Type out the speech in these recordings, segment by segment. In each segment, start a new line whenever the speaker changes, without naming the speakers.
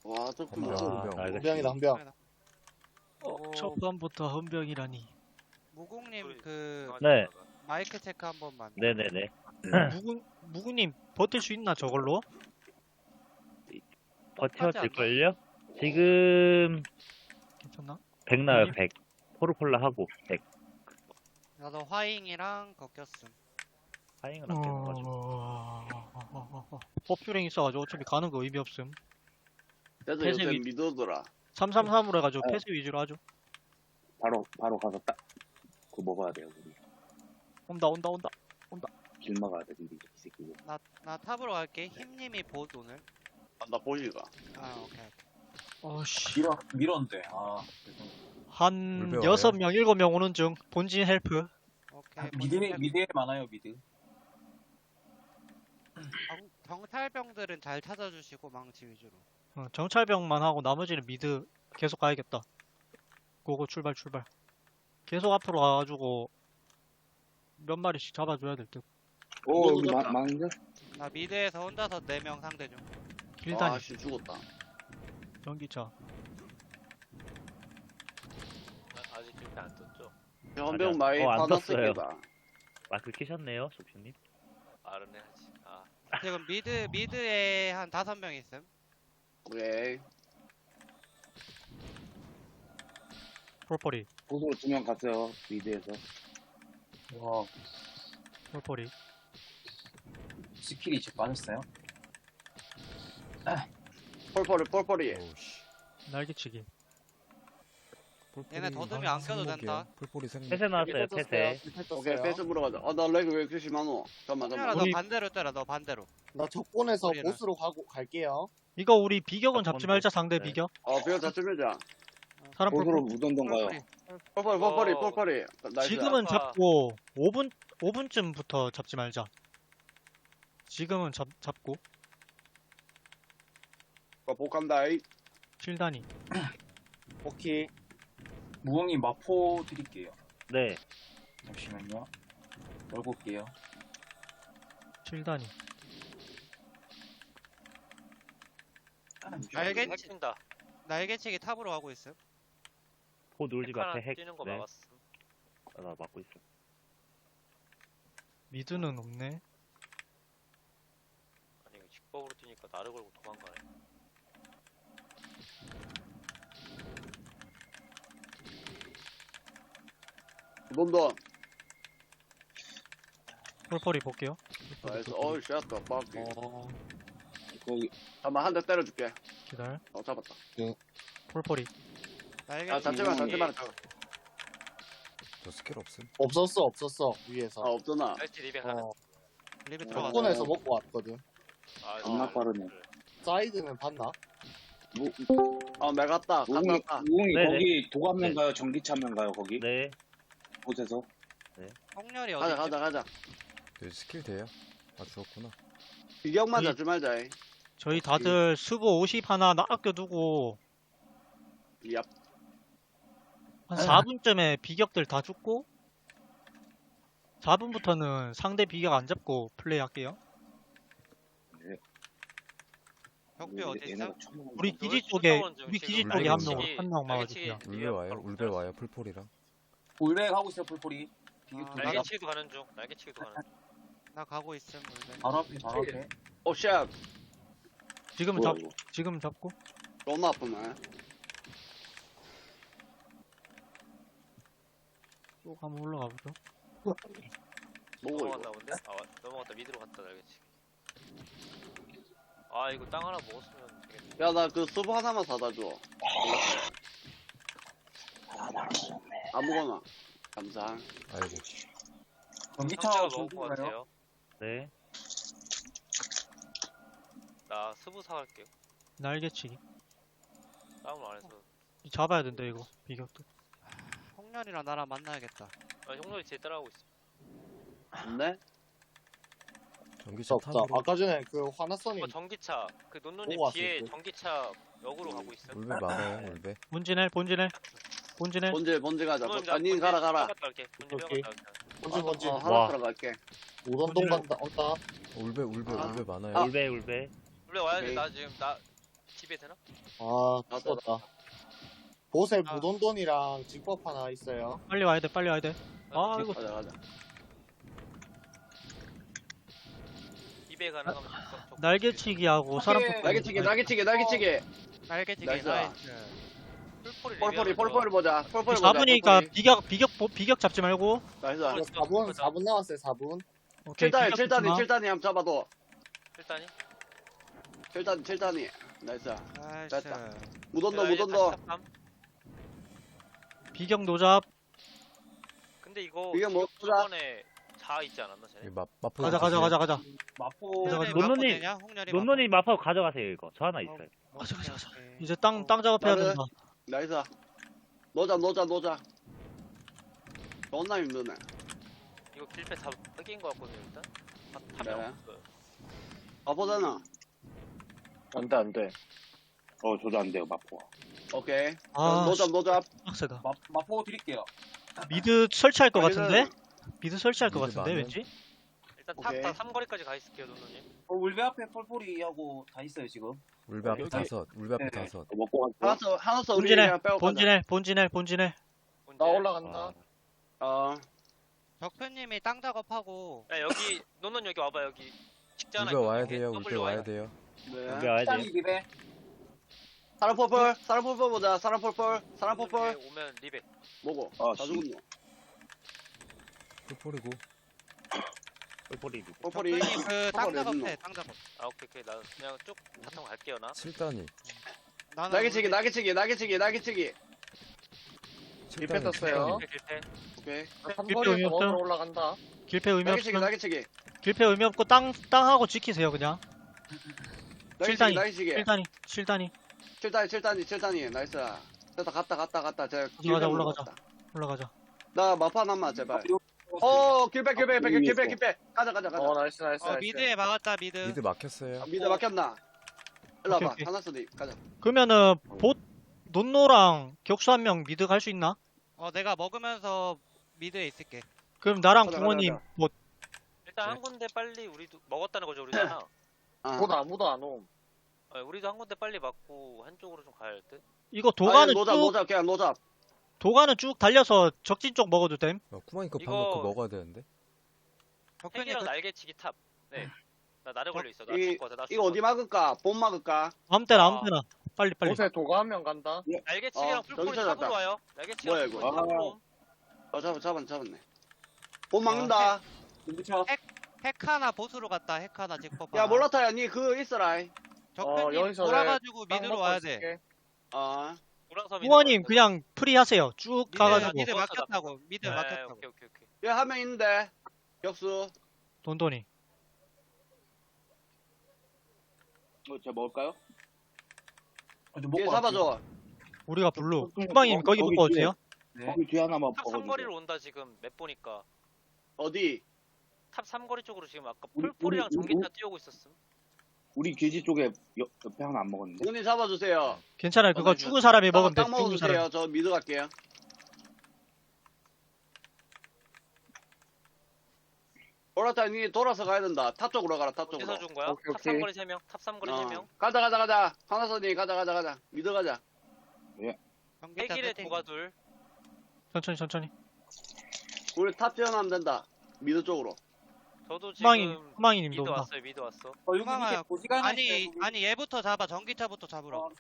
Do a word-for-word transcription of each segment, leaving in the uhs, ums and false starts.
와, 저
아,
큰
알겠지.
헌병이다 헌병.
어, 첫 번부터 헌병이라니.
무궁님 그
네.
마이크 체크 한 번만.
네네네.
무구 무구님 버틸 수 있나 저걸로?
버텨질걸요? 지금
괜찮나?
백 나요, 백. 포르폴라 하고 백.
나도 화잉이랑 걷겼음.
하잉은 안 깨져가지고.
어... 법규랭 있어가지고 어차피 가는 거 의미 없음.
그래서
폐쇄
요새
위-
믿어더라.
삼삼삼으로 해가지고
어.
패스 위주로 하죠.
바로 바로 가서 딱 그거 먹어야 돼요. 우리
온다 온다 온다.
길 막아야 돼. 미리 이 새끼.
나, 나 탑으로 갈게. 힘님이 봇 오늘.
아, 나 보시가.
아, 오케이.
어씨.
밀어 밀었는데 아
한
물배
여섯
와요?
명 일곱 명 오는 중 본진 헬프.
오케이.
미드에 미드에 많아요 미드.
경, 경찰병들은 잘 찾아주시고 망치 위주로.
어, 정찰병만 하고 나머지는 미드 계속 가야겠다. 고고 출발 출발. 계속 앞으로 가가지고 몇 마리씩 잡아줘야 될 듯.
오
너무
여기 마-
좋다.
망인데?
나 미드에서 혼자서 네 명 상대 중.
길다니
아, 씨, 죽었다.
전기차.
아직 준비 안 떴죠?
현병
아니야.
많이
어, 안
받았을
떴어요.
게다.
마크 키셨네요, 소피님.
빠르네 하지. 아,
지금 미드, 미드에 한 다섯 명 있음.
오케이.
폴포리
보수로 두 명 갔어요. 미드에서.
와
폴포리.
스킬이 이제 빠졌어요.
폴폴이, 폴폴이.
날개치기.
얘네 더듬이 안 껴도 된다.
풀뿌리 생각.
폐쇄 나왔어요, 폐쇄.
오케이, 패스 물어가자. 아, 나 렉이 왜 이렇게 심하노? 잠깐만,
홍렬아,
잠깐만.
너
우리-
반대로 때려, 너 반대로.
나 적본에서
소리나.
보스로 가고 갈게요.
이거 우리 비격은 잡지
번
말자 상대
네.
비격.
어, 비어 자쯤이자.
사람
보수로
폴포리.
무던던가요?
폴폴이.
폴폴이, 폴폴이,
어.
폴폴이. 나이스.
지금은
아.
잡고 오 분 오 분쯤부터 잡지 말자. 지금은 잡 잡고
어, 복간다이.
칠단이.
오케이.
무궁이 마포 드릴게요.
네.
잠시만요. 열고 올게요.
칠단이.
날개,
핵진다.
날개치기 탑으로 가고 있음.
포 놀집
하나
앞에 핵.
뛰는 거
네.
막았어.
아, 나 막고 있어.
미드는 없네.
아니 이거 직법으로 뛰니까 나를 걸고 도망가네.
놈도.
폴포리 볼게요.
나이스. 어이, 쉣, 빡.
어.
거기
잠깐만, 한 대 때려줄게.
기다려.
어, 잡았다.
폴포리.
날개치기.
아, 잠시만, 잠시만.
저 스킬 없음? 없었어 없었어 위에서.
아, 없잖아.
알지 리뱅 하나.
어.
리브 들어갔어.
적본에서 먹고 왔거든.
아,
겁나
아,
빠르네.
그래.
사이드는 봤나?
무
어, 내가 갔다. 갔다,
무궁이
갔다.
무궁이
네네.
거기 도감면
네.
가요? 전기차면 가요? 거기
네.
곳에서?
홍렬이
가자,
어디
가자, 가자.
네, 스킬 돼요? 아 죽었구나.
비격만
이-
잡지 말자. 이.
저희 다들 수보 오십 하나 나 아껴두고
얍.
한 사 분쯤에 비격들 다 죽고 사 분부터는 상대 비격 안 잡고 플레이 할게요.
벽비 어디 있어?
얘네가 처음
우리
여기
기지 쪽에
쫓아오는 중
우리
지금.
기지
물배
쪽에 한
있어.
명 한 명 막아주세요.
날개치기
울베
뒤에
와요?
바로
울베
붙어요.
와요? 풀폴이랑.
울베 하고 있어요 풀폴이. 비교
아,
두 개.
날개치기도 가는 중. 날개치기도 가는 중.
나 가고 있음. 물배.
바로 앞에 바로 앞에.
오, 쉣.
지금은
뭐야
잡
이거?
지금 잡고
너무 아프네.
쭉 한번 올라가 보죠.
뭐고, 이거.
넘어갔나 본데? 아 왔- 넘어갔다 미드로 갔다 날개치기. 아 이거 땅 하나 먹었으면 되겠네.
야, 나 그 수프 하나만 사다 줘.
아 나는
아무거나. 감사.
아이고.
전기차
상체가 먹은
전기
거
가요?
같아요.
네.
나 스부 사갈게요.
날개치기.
싸움을 안 해서.
잡아야 된다 이거 비격도.
홍렬이랑 나랑 만나야겠다.
아 형렬이 제 따라하고 있어.
네?
전기차 없다. 탑으로.
그
아까 전에 그 화나선이
어 전기차 그 논논님
보고
뒤에
왔을 때.
전기차 역으로 가고 있어.
울베 많아요 울베.
본진해 본진해 본진해.
본질, 본질 가자.
논논님
아니,
본진
가라, 가라.
빼갔다 갈게. 본진
오케이.
빼갔다 갈게.
본진 본진.
어, 하나
와.
들어갈게.
오던동 간다. 온다.
울베 울베
아.
울베 많아요.
아.
울베, 울베.
원래 와야 돼.
오케이.
나 지금 나 집에 되나?
아,
아,
죽었다. 보셀
아.
무돈돈이랑 직법 하나 있어요.
빨리 와야 돼, 빨리 와야 돼. 아, 이거
가자 가자.
집에 가능하면 적극- 적극-
날개치기하고 사람
오케이.
뽑기.
날개치기 날개치기 날개치기.
날개치기
나이스.
나이스.
풀포리
폴폴이
레벨
폴폴이 보자. 폴폴이 보자.
사 분이니까
폴폴이.
비격, 비격, 보- 비격 잡지 말고.
나이스.
폴-
이거 사 분, 사 분 남았어요, 사 분.
오케이,
칠 단이
비격
칠 단이
잡지 마.
칠 단이 한번 잡아도.
일단이
칠 단 칠 단이. 나이스.
나이스.
됐다. 무던도 무던도.
비격 노잡.
근데 이거
이게 뭐
저번에 자 있지 않았나 쟤네?
이 마, 마포
가자, 가자, 가자, 가자.
마포
가자, 가자.
논논이-
홍렬이
논논이 마파 가져가세요 이거. 저 하나 있어요.
가자, 가자, 가자. 이제 땅, 땅 작업해야
나는-
된다.
나이스. 노자 노자 노자. 존나 힘드네.
이거 길패 다 뺏긴 거 같거든요 일단.
네.
탑이 없어요.
아보잖아.
안 돼, 안 돼. 어, 저도 안 돼요, 마포가.
오케이.
아,
노잡 노잡.
빡세다.
마, 마포 드릴게요.
미드 설치할 것
아니면-
같은데? 미드 설치할 것
미드
같은데,
많은-
왠지?
일단
오케이.
탑다 삼거리까지 가 있을게요 논논님.
어, 울베 앞에 폴폴이하고 다 있어요 지금.
울베 앞에
여기-
다섯, 울베 앞에
네.
다섯.
어, 먹고 갈게요.
하나서 하나서 우리
본진해,
그냥 빼고 가자.
본진해, 본진해, 본진해.
문제.
나 올라간다.
아,
어.
덕표님이 땅 작업하고
야 여기 논논 여기 와봐 여기. 직자 하나
울베
있거든요.
와야 돼요, 울베
W
와야 돼요.
네.
여기 와야
짠이
돼.
리베.
사람 폴폴 사람 폴폴 보자. 사람 폴폴 사람
논논
폴폴.
위에 오면 리베.
뭐고?
아,
다
씨.
죽었노.
폴폴이고.
뿔뿔이.
폴폴이.
덕표님 그땅
폴폴이
작업
있노.
해땅 작업.
아 오케이 오케이 나 그냥 쭉 바탕 갈게요 나.
칠 단이.
나는
날개치기
우리-
날개치기 날개치기 날개치기.
칠
밀패
단이, 칠
떴어요.
단이.
길패 길패.
오케이.
삼거리에서
의미 없죠?
먹으러 올라간다.
길패 의미
날개치기
없으면,
날개치기.
길패 의미 없고 땅, 땅하고 지키세요, 그냥.
날개치기
단위.
날개치기.
칠 단위, 칠 단위.
칠 단위 칠 단위 칠 단위. 나이스. 됐다 갔다 갔다 갔다. 제가
올라가자, 올라가자. 올라가자.
나 마파 남마 제발. 어 길백 길백 길백 길백 길백. 가자 가자 가자.
어, 나이스, 나이스,
어
나이스.
미드에 막았다 미드.
미드 막혔어요.
아, 미드 막혔나? 일로
오케이,
와봐.
오케이.
하나스디 가자.
그러면은, 봇, 논노랑 격수 한 명 미드 갈 수 있나?
어 내가 먹으면서 미드에 있을게.
그럼 나랑
가자,
붕어님,
가자,
뭐,
일단 한 군데 빨리 우리도 먹었다는 거죠 우리잖아.
아.
곧 아무도 안 옴.
어, 우리도 한 군데 빨리 맞고 한쪽으로 좀 가야 할 듯.
이거
아니,
도가는
노잡
쭉,
노잡 그냥 노잡.
도가는 쭉 달려서 적진 쪽 먹어도 됨?
어, 쿠마니 거
이거-
방금 거 먹어야 되는데.
덕표님
핵이랑
그
날개치기 탑. 네. 나 나를 걸려 있어. 나
이-
죽을 것 같아. 나
이거
죽을
어디
것
막을까? 본 막을까?
아무 때나, 아무
아.
때나. 빨리, 빨리.
보셀 도가 한 명 간다.
같아. 날개치기랑
어,
풀폴이
저기
탑으로
찾았다.
와요.
뭐야,
날개치기랑
이거?
풀폴이 탑으로 옴.
어 잡았 잡았 잡았네. 본 막는다.
눈부쳐.
핵 하나 보스로 갔다. 핵 하나 직법.
야
하나.
몰라타야 니 그거 있어라.
덕표님
어, 여기서
돌아가지고
땅
미드로
먹고
와야 돼.
있을게.
어.
우랑섬이
붕어님, 그냥 프리 하세요. 쭉
미드,
가가지고.
미드
먹었어,
막혔다고. 미드
네,
막혔다고.
오케이 오케이 오케이.
야 한 명 있는데. 격수.
돈돈이.
어, 제가 먹을까요?
어, 좀
얘
먹고 갈게요.
잡아줘.
우리가 블루.
어,
후방님,
어,
거기
거기
먹고
뒤에.
오세요.
네.
거기 뒤에 하나만
탑
먹어주세요.
삼거리로 온다 지금 맵 보니까.
어디?
탑 삼거리 쪽으로 지금 아까
우리-
풀폴이랑
우리-
전기차 뛰어오고 있었음.
우리 기지 쪽에 옆, 옆에 하나 안 먹었는데.
문이 잡아주세요.
괜찮아요. 그거
어,
죽은 사람이 먹으면 돼.
땅
죽은 사람.
먹어주세요. 저 미드 갈게요. 몰라타 니 돌아서 가야 된다. 탑 쪽으로 가라. 탑 쪽으로.
어디서 준 거야?
오케이,
탑
오케이.
삼거리 세 명. 탑 삼거리 세 명.
어. 가자 가자 가자. 하나선이 가자 가자 가자. 미드 가자.
전기차
핵일에
세팅.
도가 둘.
천천히, 천천히.
우리 탑 지원하면 된다. 미드 쪽으로.
저도
후방이,
지금
후방이님도
미드
온다.
왔어요. 미드 왔어.
어, 여기
도망가요.
밑에 보지가 하나
아니
있어요, 여기.
아니 얘부터 잡아. 전기차부터 잡으러.
어,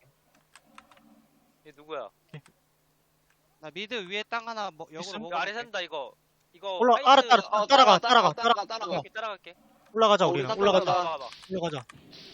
얘 누구야?
나 미드 위에 땅 하나 뭐, 역으로
있음?
먹어.
이거 아래 산다 이거. 이거
올라,
하이트-
알아, 따라,
어,
따라가,
따라가,
따라가,
따라가,
따라가.
따라가.
이렇게 따라갈게.
올라가자,
어,
우리는.
우리
올라가자,
따라가.
봐봐 봐봐.
올라가자.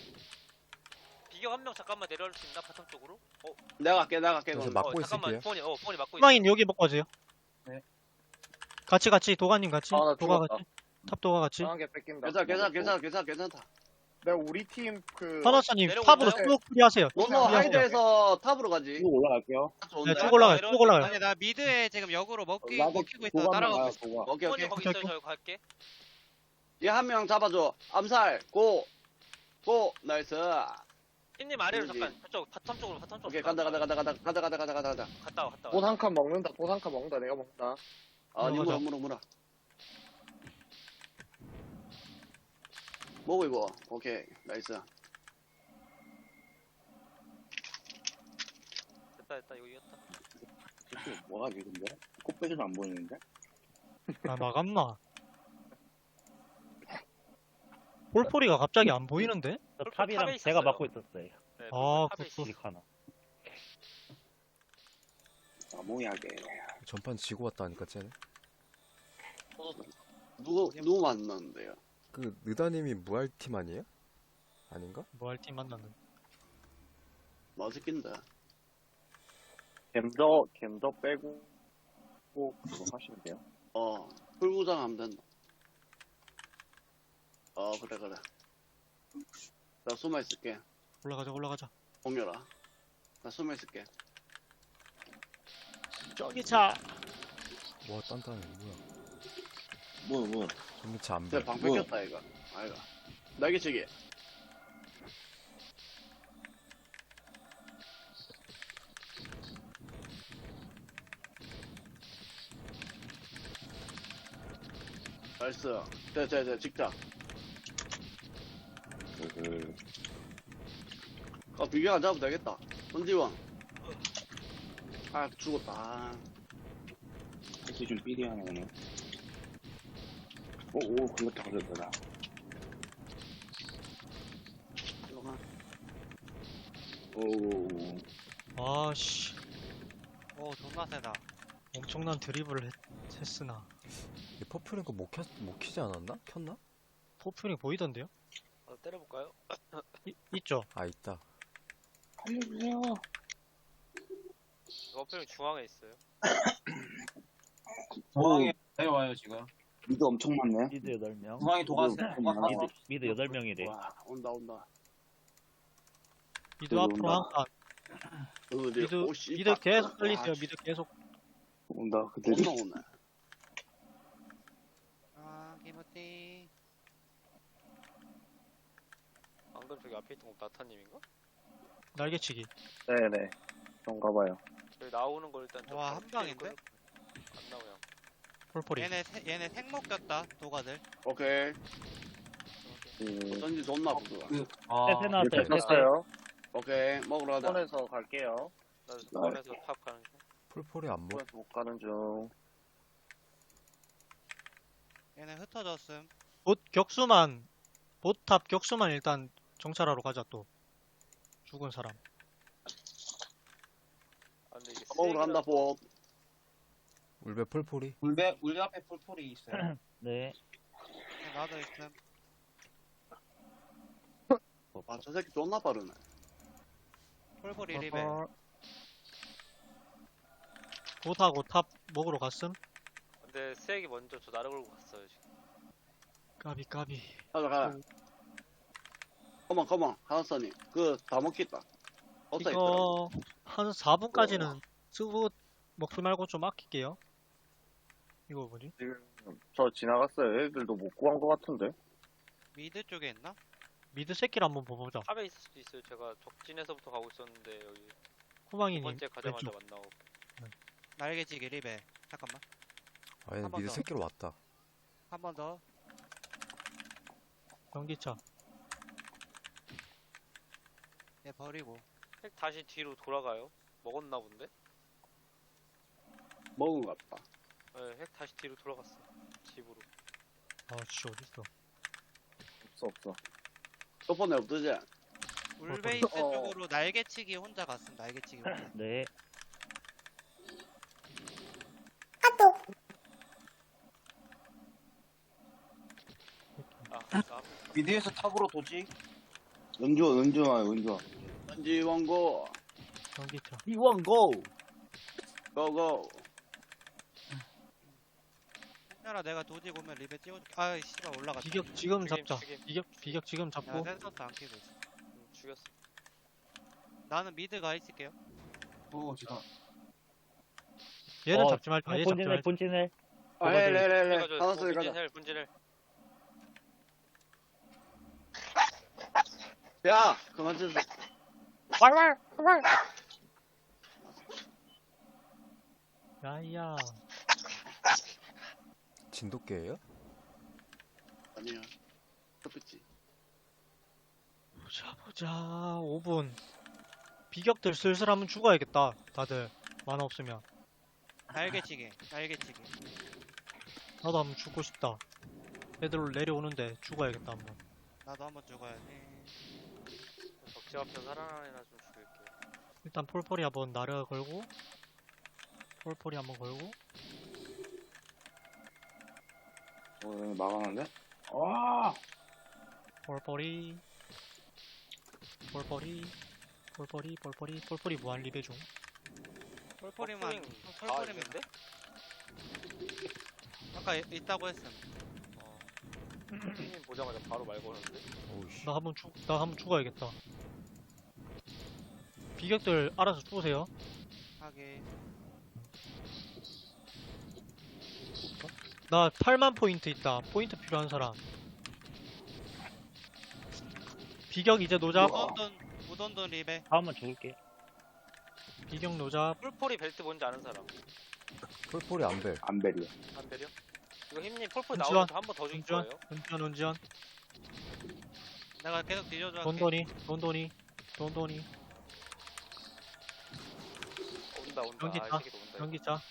비격 한 명 잠깐만 내려올 수 있나 바텀 쪽으로? 어,
내가 갈게 내가 갈게.
그래서
그럼.
막-
어
막고
잠깐만
있을게요.
폰이 어 폰이 막고 있어.
후방님, 여기 먹고 오세요.
네.
같이, 같이. 도가님 같이.
아, 나
도가
죽었다.
같이. 탑도가 같이.
강하게 뺏긴다.
괜찮아 괜찮아 괜찮아 괜찮아 괜찮다.
내가 우리 팀 그.
하나사님,
내려오고
탑으로
있나요?
쭉 프리 하세요. 쭉
너너
프리 하세요.
하이드에서 탑으로 가지.
쭉 올라갈게요.
좋은데?
네, 쭉 올라가요, 쭉 올라가요.
아니 나 미드에 지금 역으로 먹기
나도
먹히고 있어.
도가
따라가고
나가요,
있어.
도가.
오케이
폰이
오케이.
거기 있어요.
오케이,
저 갈게.
얘 한 명 잡아줘. 암살. 고. 고. 나이스.
흰님 아래로
그러지.
잠깐 저쪽 바텀 쪽으로 바텀 쪽으로.
오케이 간다 간다 간다 간다 간다 간다 간다 간다 간다.
갔다 와 갔다 와.
돈 한 칸 먹는다. 돈 한 칸 먹는다. 내가 먹는다.
아, 니 물어
가자.
물어 물어. 뭐고 이거? 오케이 나이스.
됐다 됐다 이거 이겼다.
저게 뭐하지 근데? 꽃배기도 안 보이는데?
아, 나갔나? 폴포리가 갑자기 안 보이는데?
저
탑에
탑이랑
있었어요.
제가 맡고 있었어요.
네,
아,
탑에
굿, 굿.
있어.
하나.
나무야게.
전판 지고 왔다니까 쟤네.
누구 누구 만났는데요?
그 느다님이 무알팀 아니에요? 아닌가?
뭐 할 팀 만났는데.
맛있긴데.
갬더 갬더 빼고 꼭 그거 하시면 돼요.
어, 풀구장 하면 된다. 어, 그래, 그래. 나 숨어 있을게.
올라가자, 올라가자.
공유라. 나 숨어 있을게.
저기 차!
와 단단해 뭐야.
뭐 뭐.
전기차 안
내
배.
방
뭐?
뺏겼다, 이거. 아이가. 날개치기. 나이스. 자, 자, 자, 직자.
그
아, 비교 안 잡으면 되겠다. 손지원. 아, 죽었다. 아,
패시 좀 삐리 하네 오늘. 오오 걸렸다 걸렸다 나.
들어가.
오.
아씨,
오 존나 세다.
엄청난 드리블을 했, 했으나.
이 퍼플인 거못 켰, 못 키지 않았나? 켰나?
포프링 보이던데요?
어, 때려볼까요?
이, 있죠?
아 있다.
알려주세요.
어플 중앙에 있어요.
중앙에 내려와요 지금.
미드 엄청 많네.
미드 여덟 명.
중앙에 도가스.
음,
도가스.
미드, 미드 여덟 명이래.
와, 온다, 온다.
미드
어,
앞으로
온다.
한 칸.
어디,
미드,
오, 씨,
미드
빡.
계속 걸리세요,
와,
미드 계속.
온다 그들이.
온다, 오네.
아 김우띠.
방금 저기 앞에 있던 거 나타님인가?
날개치기.
네네. 그런가 봐요.
저기 나오는 거 일단 좀
와,
더
한 방인데?
안 나오냐?
폴포리.
얘네 세, 얘네 생목 꼈다 도가들.
오케이.
그
어쩐지 좋나 보다.
그, 아,
세세 나왔어요.
네,
세세.
뺐어요.
오케이, 먹으러 가자.
손에서 갈게요.
나 스폰에서 탑 가는 중.
폴폴이 안 먹.
손에서 못 가는 중.
얘네 흩어졌음.
봇 격수만, 보탑 격수만 일단 정찰하러 가자, 또. 죽은 사람.
아 근데 이게
먹으러 간다,
쓰레기라서
보.
울베 폴폴이.
울베 울베 앞에 폴폴이 있어요.
네.
얘 나도 있음.
아, 저 새끼 존나 빠르네.
폴폴이 리베.
보트하고 탑 먹으러 갔음?
근데 쓰레기 먼저 저 나를 걸고 갔어요 지금.
까비, 까비.
가자, 가자. 컴온, 컴온. 하나선이. 그, 다 먹겠다. 없다, 있더라.
이거, 한 사 분까지는 쓰고 먹지 말고 좀 아낄게요. 이거 뭐지?
지금 저 지나갔어요. 애들도 못 구한 것 같은데.
미드 쪽에 있나?
미드 새끼를 한번 봐보자.
탑에 있을 수도 있어요. 제가 적진에서부터 가고 있었는데 여기 두
후망이님,
번째 가자마자
왼쪽.
만나고.
날개치기 리베. 잠깐만.
아 얘는
한번
미드
더.
새끼로 왔다.
한 번 더.
전기차.
얘 버리고.
핵 다시 뒤로 돌아가요. 먹었나 본데?
먹은 것 같다.
네, 핵 다시 뒤로 돌아갔어. 집으로.
아, 씨, 어딨어.
없어 없어.
저번에 없더지?
울베이스
어.
쪽으로 날개치기 혼자 갔음. 날개치기 혼자.
네.
아, 나
미드에서 탑으로 도지.
은주원 은주원 은주원.
전지 원고.
전기차.
이원고. 고고.
홍렬아 내가 도지 오면 리베 찍어줄게. 아이 씨발 올라갔다.
비격 지금
죽임,
잡자.
죽임.
비격, 비격 지금
야
잡고.
센서스 안 켜고 있어.
음, 죽였어.
나는 미드 가 있을게요.
오 지금.
얘는
어,
잡지 말자. 얘 잡지
본진을,
말자.
본진을.
아, 해, 해, 해, 해.
해가지고
하나선이 가자.
분진헬, 분진헬.
야, 그만 좀.
야야.
진돗개예요?
아니야. 그렇지.
보자, 보자. 오 분. 비격들 슬슬 하면 죽어야겠다. 다들 만화 없으면.
날개치기, 날개치기.
나도 한번 죽고 싶다. 애들 내려오는데 죽어야겠다 한번.
나도 한번 죽어야지.
적지 앞에서 살아나는 애나 좀 죽일게.
일단 폴폴이 한번 나르 걸고 폴폴이 한번 걸고
어, 여기 막아놨네? 와!
폴폴이 폴폴이 폴폴이 폴폴이 폴폴이 무한 리베 중.
폴폴이만,
어, 다
폴폴이면
있는데?
아까 이- 있다고 했음.
어. 형님 보자마자 바로 말 거는데.
오우씨.
나 한번 죽, 나 한번 죽어야겠다. 비격들 알아서 죽으세요.
하게.
나 팔만 포인트 있다. 포인트 필요한 사람. 비격 이제 노잡.
우돈돈, 우돈돈 리베.
다음은 죽을게.
비격 노잡.
폴폴이 벨트 뭔지 아는 사람.
폴폴이 안벨.
안벨이야.
안 배려? 이거 힘님 폴폴
은지원,
나오면 한 번 더 죽일
은지원,
거예요.
은지원, 은지원.
내가 계속 뒤져줘 할게.
돈돈이, 돈돈이, 돈돈이.
온다 온다.
연기
아, 이
타,
새끼도 온다.
전기차.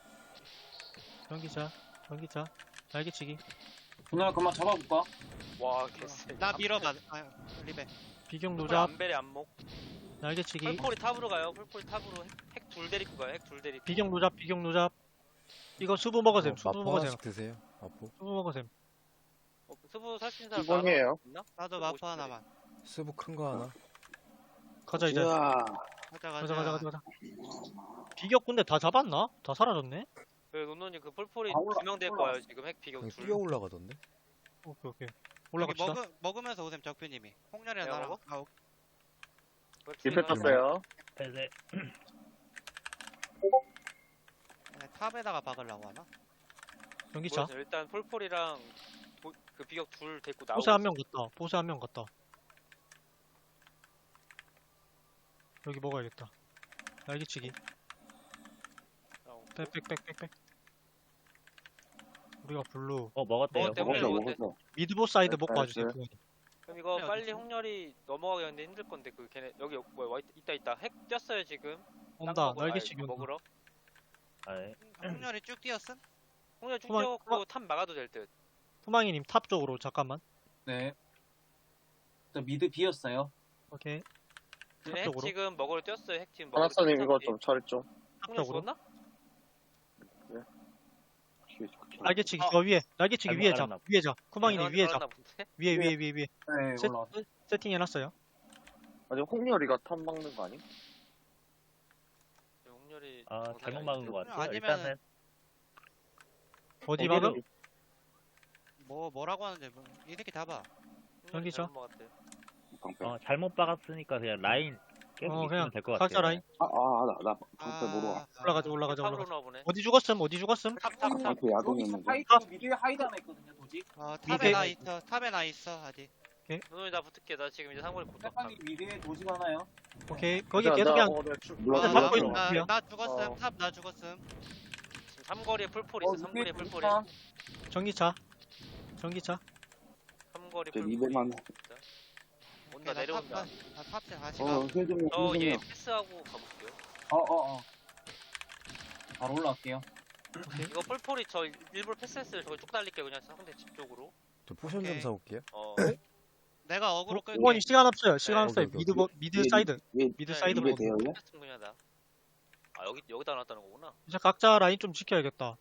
전기차, 전기차. 날개치기.
누나 그만 잡아볼까?
와 개쎄.
나 밀어봐. 아, 리베.
비격
폴
노잡.
안벨의 안목.
날개치기.
폴폴이 탑으로 가요. 폴폴 탑으로 핵 둘 데리고 가요. 핵 둘 데리고.
비격 노잡, 비격 노잡. 이거 수부 먹으셈, 수부
마포
먹으셈.
하나씩 드세요. 마포.
수부 먹으셈.
어, 수부 살 수 있는 사람
기본이에요.
있나?
나도
보고
마포
싶은데.
하나만.
스부 큰 거 하나.
가자 이제.
우와.
가자,
가자,
가자.
가자, 가자, 가자. 비격 근데 다 잡았나? 다 사라졌네?
그 논논이 그 폴폴이
아, 올라-
두 명 될
올라왔어.
거예요. 지금 핵 비격
여기
둘.
뛰어 올라가던데.
오케이, 오케이.
여기
올라갑시다.
먹으, 먹으면서 오셈 적표님이. 홍렬이랑
내가
나랑.
먹어?
아,
리페 떴어요.
벨레.
네, 탑에다가 박으려고 하나?
전기차.
모르겠어요. 일단 폴폴이랑 보- 그 비격 둘 데리고 나오고.
보세 한 명 갔다. 보세 한 명 갔다. 여기 먹어야겠다. 날개치기.
있어.
빽빽빽빽빽. 우리가 블루.
어 먹었대요.
먹었대,
먹었어,
먹었대.
먹었어.
미드보 사이드
네,
먹고
네,
와주세요.
네.
그거.
그럼 이거
그래,
빨리
어디지?
홍렬이 넘어가기 근데 힘들 건데 그 걔네 여기 뭐야 와 있- 있다 있다 핵 뛰었어요 지금.
온다.
땅 먹으러-
날개치기
아니,
온다.
먹으러.
아, 예.
홍렬이 쭉 뛰었음?
홍렬 쭉
그만-
뛰어갖고 탑 막아도 될 듯.
후망이님 탑 쪽으로 잠깐만.
네. 저 미드 비었어요.
오케이.
얘네 핵
쪽으로?
지금 먹으러 뛰었어요 핵팀. 먹으러
하나선님 이거
뛰었지.
좀 처리 좀.
홍렬
쪽으로?
죽었나?
날개치기
어.
저 위에. 날개치기
잘못
위에 잡.
깔았나
위에 잡. 후망이님 위에 잡.
들어갔나 본데?
위에 위에 위에 위에.
네,
셋-
올라왔어.
세팅해놨어요.
아니 홍렬이가 탑 막는 거 아니?
홍렬이
아
정상이
잘못
아닌데.
막은 것 같아요.
아니면은-
일단은
어디
거기를-
막음?
뭐, 뭐라고 하는데, 뭐. 이 새끼 잡아.
홍렬이
전기차?
잘못 먹었대.
방패.
어 잘못 박았으니까 그냥 라인 계속
어,
있으면
그냥
될 것 같아요.
각자 라인.
아, 아, 나, 나 방패 모르 와.
올라가자, 올라가자,
탑으로
올라가자.
나와 보네.
어디 죽었음? 어디 죽었음?
탑 탑 탑.
방패 야동이었는데.
하이드, 미드에 하이드 하나 있거든요, 도직.
어,
미드.
탑에 나 있어. 탑에 나 있어, 아직.
논논이 나 붙을게. 나 지금 이제 상골이 고정.
세판이 미드에 도직 하나요?
오케이. 거기
나-
계속
나-
그냥
어, 내가 출-
몰라,
아,
근데
몰라,
잡고
몰라.
있는
나,
거야.
나 죽었음.
어.
탑 나 죽었음.
지금 삼거리에 풀폴
어,
있어. 삼거리에
미드
풀폴이.
도직한.
전기차. 전기차.
삼거리
저
풀폴이.
리베만.
진짜. 온다
나
내려온다.
탑, 나 탑에 다시 가.
어, 힐좀
저
힐좀
얘
해.
패스하고 가볼게요.
어, 어, 어. 바로 올라갈게요.
이거 폴폴이 저 일부러 패스했어요. 저기 쭉 달릴게요. 그냥 상대 집 쪽으로.
저 포션 좀
오케이.
사올게요.
어.
내가 어그로 끌게.
후원이 시간 없어요. 시간
네.
없어요.
오케이,
미드
오케이.
버- 미드
예,
사이드.
예,
미드
네,
사이드로
입에
먹어.
대요?
패스 분야다. 아 여기 여기다 놨다는 거구나.
이제 각자 라인 좀 지켜야겠다.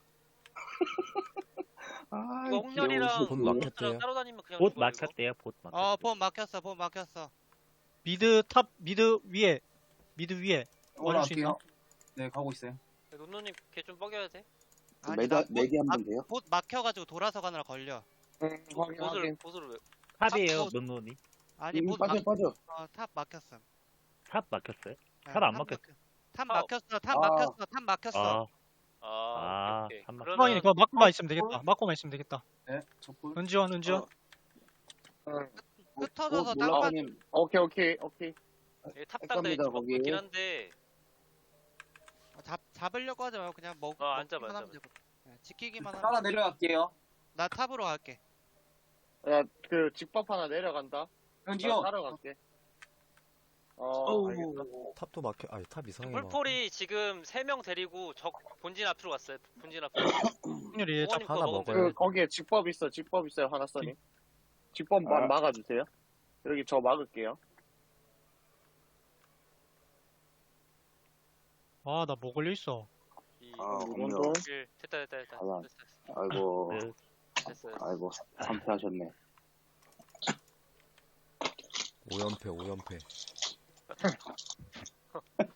아,
이거 홍렬이랑
본
로스랑
막혔대요.
따로 다니면 그냥
봇
죽어요, 이거.
막혔대요. 봇 막혔.
어, 본 막혔어. 본 막혔어.
미드 탑 미드 위에. 미드 위에. 와줄 수 있나?
올라갈게요. 네, 가고 있어요.
논논님 걔 좀 뻐겨야 돼.
그
아니,
매다,
나 봇-
내기 한번 돼요?
봇 막혀가지고 돌아서 가느라 걸려.
응, 확인
보스를
확인.
보스를 왜?
탑이에요.
탑-
논논이.
아니,
음,
봇
빠져,
막,
빠져.
어, 탑 막혔음.
탑 막혔어요.
네,
탑안 막혔-
막혔- 탑
아,
막혔어. 탑
아.
막혔어. 탑 막혔어.
아,
아,
아,
오케이, 오케이.
한 번.
그러면
후망이님 그거 막고만 있으면 되겠다. 막고만 있으면 되겠다.
네, 저풀.
은지원 은지원.
어.
응.
흩어져서
어,
땅
올라가님.
오케이 오케이 오케이.
얘 탑
할
당다
겁니다,
이쪽
거기.
있긴 한데
잡 잡으려고 하지 말고 그냥 먹.
어, 안 잡아,
먹기만
안
하면 되고. 네, 지키기만
따라
하면.
내려갈게요.
나 탑으로 갈게.
야그 직법 하나 내려간다. 나
은지요.
따라갈게. 어, 알겠다.
탑도 막혀. 아니 탑 이상하게 막.
물폴이 지금 세 명 데리고 적 본진 앞으로 갔어요. 본진 앞으로.
확률이
어머님
하나
거 먹으면
먹어요.
그, 거기에 직법 있어, 직법 있어요, 하나써니. 직법 마-
아.
막아주세요. 여기 저 막을게요.
아, 나 뭐 걸려 있어.
이,
아,
이건
없네요.
또,
일. 됐다 됐다 됐다.
아야.
됐어 됐어.
아이고,
네.
됐어요.
아이고, 참패하셨네.
오연패 오연패.